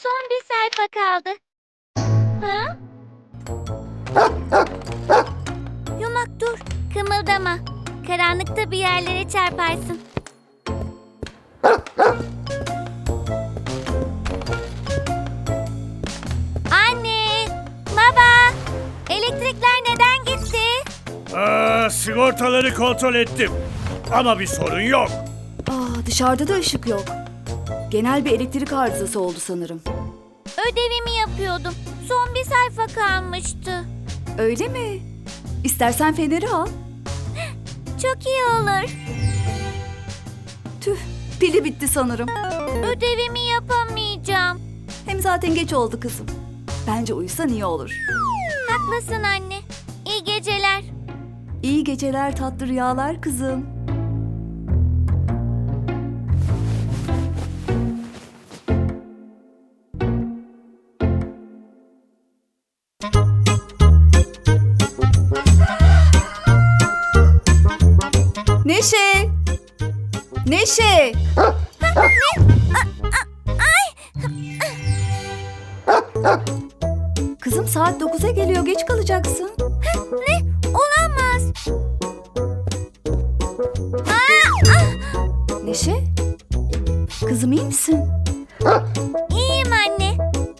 Son bir sayfa kaldı. Ha? Yumak dur, kımıldama. Karanlıkta bir yerlere çarparsın. Anne, baba, elektrikler neden gitti? Sigortaları kontrol ettim. Ama bir sorun yok. Dışarıda da ışık yok. Genel bir elektrik arızası oldu sanırım. Ödevimi yapıyordum. Son bir sayfa kalmıştı. Öyle mi? İstersen feneri al. Çok iyi olur. Tüh, pili bitti sanırım. Ödevimi yapamayacağım. Hem zaten geç oldu kızım. Bence uyusan iyi olur. Haklısın anne. İyi geceler. İyi geceler, tatlı rüyalar kızım. Neşe! Neşe! Kızım saat 9'a geliyor, geç kalacaksın. Ne? Olamaz. Neşe? Kızım iyi misin? İyiyim anne.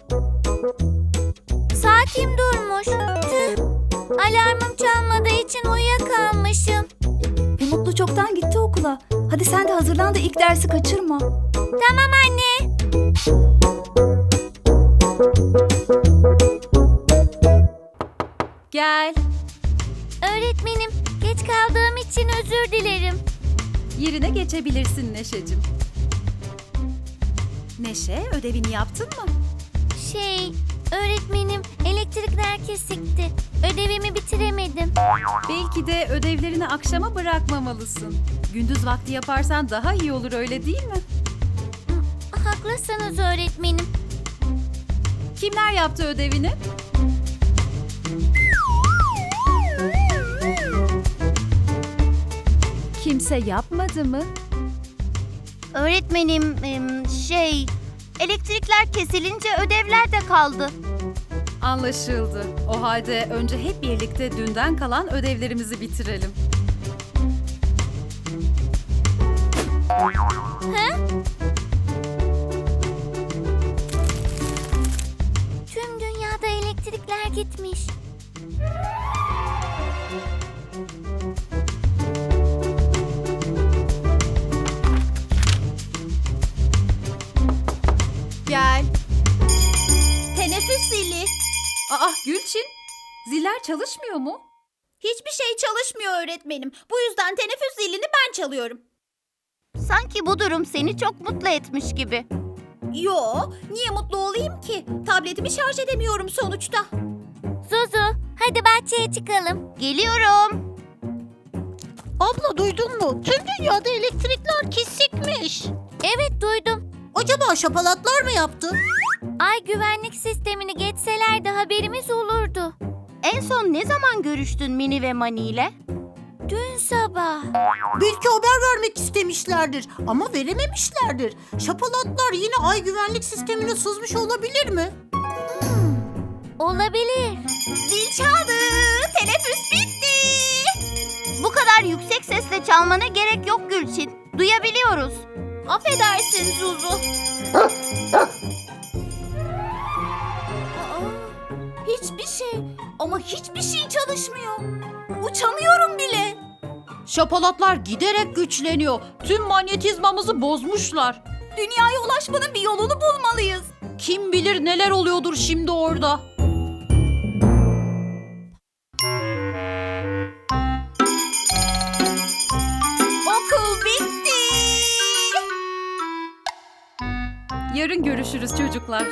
Saatim durmuş. Tüh. Alarmım çalmadığı için uyuyakalmışım. Mutlu çoktan gitti okula. Hadi sen de hazırlan da ilk dersi kaçırma. Tamam anne. Gel. Öğretmenim, geç kaldığım için özür dilerim. Yerine geçebilirsin Neşe'cim. Neşe, ödevini yaptın mı? Öğretmenim, elektrikler kesikti. Ödevimi bitiremedim. Belki de ödevlerini akşama bırakmamalısın. Gündüz vakti yaparsan daha iyi olur, öyle değil mi? Haklısınız öğretmenim. Kimler yaptı ödevini? Kimse yapmadı mı? Öğretmenim, elektrikler kesilince ödevler de kaldı. Anlaşıldı. O halde önce hep birlikte dünden kalan ödevlerimizi bitirelim. Tüm dünyada elektrikler gitmiş. Gel. Teneffüs zili. Gülçin, ziller çalışmıyor mu? Hiçbir şey çalışmıyor öğretmenim. Bu yüzden teneffüs zilini ben çalıyorum. Sanki bu durum seni çok mutlu etmiş gibi. Yo, niye mutlu olayım ki? Tabletimi şarj edemiyorum sonuçta. Zuzu, hadi bahçeye çıkalım. Geliyorum. Abla duydun mu? Tüm dünyada elektrikler kesikmiş. Evet duydum. Acaba şapalatlar mı yaptı? Ay güvenlik sistemini geçselerdi haberimiz olurdu. En son ne zaman görüştün Mini ve Mani ile? Dün sabah. Belki haber vermek istemişlerdir ama verememişlerdir. Şapalatlar yine ay güvenlik sistemine sızmış olabilir mi? Olabilir. Zil çaldı. Teneffüs bitti. Bu kadar yüksek sesle çalmana gerek yok Gülçin. Duyabiliyoruz. Affedersin Zuzu. Hiçbir şey ama hiçbir şey çalışmıyor. Uçamıyorum bile. Şapalatlar giderek güçleniyor. Tüm manyetizmamızı bozmuşlar. Dünyaya ulaşmanın bir yolunu bulmalıyız. Kim bilir neler oluyordur şimdi orada. Okul bitti. Yarın görüşürüz çocuklar.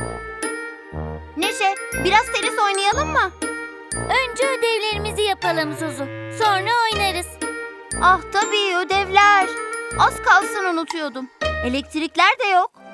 Neşe, biraz tenis oynayalım mı? Önce ödevlerimizi yapalım Zuzu. Sonra oynarız. Ah tabii ödevler. Az kalsın unutuyordum. Elektrikler de yok.